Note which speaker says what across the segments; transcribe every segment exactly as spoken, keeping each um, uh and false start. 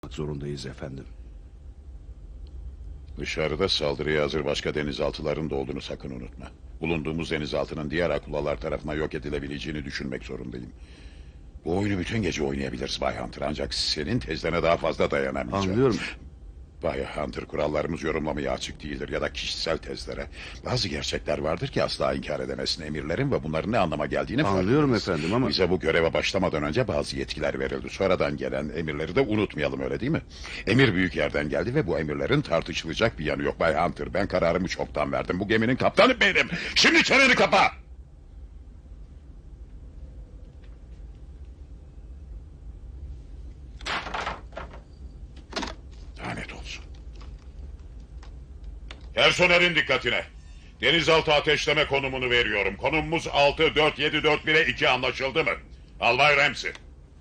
Speaker 1: zorundayız efendim.
Speaker 2: Dışarıda saldırıya hazır başka denizaltıların da olduğunu sakın unutma. Bulunduğumuz denizaltının diğer akulalar tarafından yok edilebileceğini düşünmek zorundayım. Bu oyunu bütün gece oynayabiliriz Bay Hunter, ancak senin tezlerine daha fazla dayanamayacağım.
Speaker 1: Anlıyorum.
Speaker 2: Bay Hunter, kurallarımız yorumlamaya açık değildir ya da kişisel tezlere. Bazı gerçekler vardır ki asla inkar edemezsin emirlerin ve bunların ne anlama geldiğini
Speaker 1: Anlıyorum
Speaker 2: farkındayız.
Speaker 1: efendim ama...
Speaker 2: Bize bu göreve başlamadan önce bazı yetkiler verildi. Sonradan gelen emirleri de unutmayalım, öyle değil mi? Emir büyük yerden geldi ve bu emirlerin tartışılacak bir yanı yok Bay Hunter. Ben kararımı çoktan verdim. Bu geminin kaptanı benim. Şimdi çeneni kapa! Lanet olsun. Personelin dikkatine. Denizaltı ateşleme konumunu veriyorum. Konumumuz altı dört yedi dört bire iki, anlaşıldı mı? Albay Ramsey.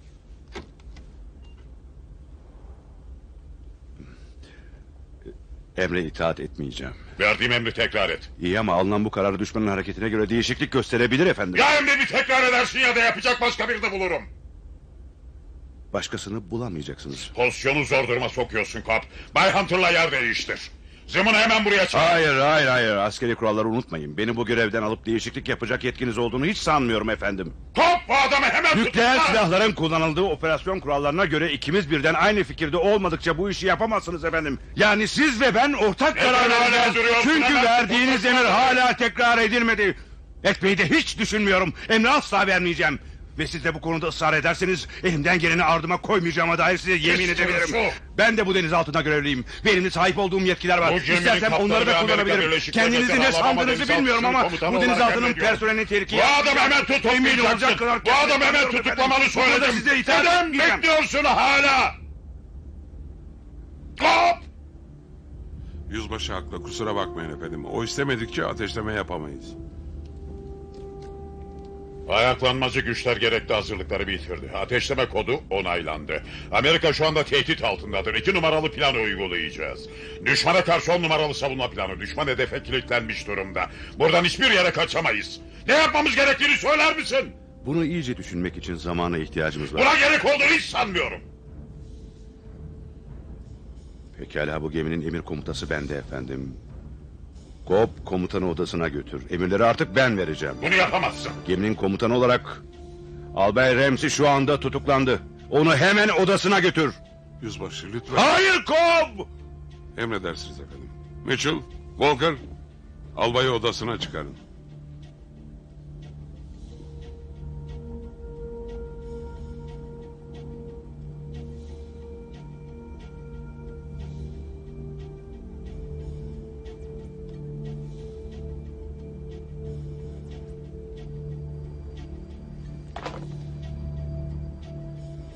Speaker 1: Emre itaat etmeyeceğim.
Speaker 2: Verdiğim emri tekrar et.
Speaker 1: İyi ama alınan bu kararı düşmanın hareketine göre değişiklik gösterebilir efendim.
Speaker 2: Ya emri bir tekrar edersin ya da yapacak başka birini bulurum.
Speaker 1: Başkasını bulamayacaksınız.
Speaker 2: Pozisyonu zor duruma sokuyorsun Kap. Bay Hunter'la yer değiştir. Zımını hemen buraya çağır.
Speaker 1: Hayır hayır hayır, askeri kuralları unutmayın. Beni bu görevden alıp değişiklik yapacak yetkiniz olduğunu hiç sanmıyorum efendim.
Speaker 2: Kap, bu adamı hemen tut.
Speaker 1: Nükleer silahların kullanıldığı operasyon kurallarına göre ikimiz birden aynı fikirde olmadıkça bu işi yapamazsınız efendim. Yani siz ve ben ortak
Speaker 2: Neden
Speaker 1: karar
Speaker 2: hala
Speaker 1: vereceğiz.
Speaker 2: duruyorsun?
Speaker 1: Çünkü
Speaker 2: Hemen
Speaker 1: verdiğiniz
Speaker 2: tut.
Speaker 1: emir hala tekrar edilmedi. Etmeyi de hiç düşünmüyorum. Emri asla vermeyeceğim. Ve siz de bu konuda ısrar ederseniz elimden geleni ardıma koymayacağıma dair size yemin
Speaker 2: Hiç
Speaker 1: edebilirim.
Speaker 2: sorusu.
Speaker 1: Ben de bu denizaltına görevliyim. Ve elimde sahip olduğum yetkiler var.
Speaker 2: Bu geminin
Speaker 1: İstersem
Speaker 2: kaptanı
Speaker 1: onları
Speaker 2: ve
Speaker 1: da
Speaker 2: Amerika
Speaker 1: kullanabilirim.
Speaker 2: Birleşik
Speaker 1: Kendinizi ne
Speaker 2: Devletleri Alabama
Speaker 1: sandığınızı
Speaker 2: denizaltı
Speaker 1: bilmiyorum ama
Speaker 2: komutanı
Speaker 1: bu
Speaker 2: olarak
Speaker 1: denizaltının
Speaker 2: emrediyorum.
Speaker 1: personelini tehlikeye...
Speaker 2: Bu adamı hemen tutuklayacaksın. Bu adamı hemen tutuklamanı söyledim.
Speaker 1: Size itaat
Speaker 2: Neden
Speaker 1: etmeyeceğim.
Speaker 2: bekliyorsun hala? Kap!
Speaker 3: Yüzbaşı haklı, kusura bakmayın efendim. O istemedikçe ateşleme yapamayız.
Speaker 2: Ayaklanmacı güçler gerekli hazırlıkları bitirdi. Ateşleme kodu onaylandı. Amerika şu anda tehdit altındadır. İki numaralı planı uygulayacağız. Düşmana karşı on numaralı savunma planı. Düşman hedefe kilitlenmiş durumda. Buradan hiçbir yere kaçamayız. Ne yapmamız gerektiğini söyler misin?
Speaker 1: Bunu iyice düşünmek için zamana ihtiyacımız var.
Speaker 2: Buna gerek olduğunu hiç sanmıyorum.
Speaker 1: Pekala, bu geminin emir komutası bende efendim. Kop komutanı odasına götür. Emirleri artık ben vereceğim.
Speaker 2: Bunu yapamazsın.
Speaker 1: Geminin komutanı olarak Albay Ramsey şu anda tutuklandı. Onu hemen odasına götür.
Speaker 3: Yüzbaşı lütfen.
Speaker 1: Hayır Kop!
Speaker 3: Emredersiniz efendim. Mitchell, Walker, albayı odasına çıkarın.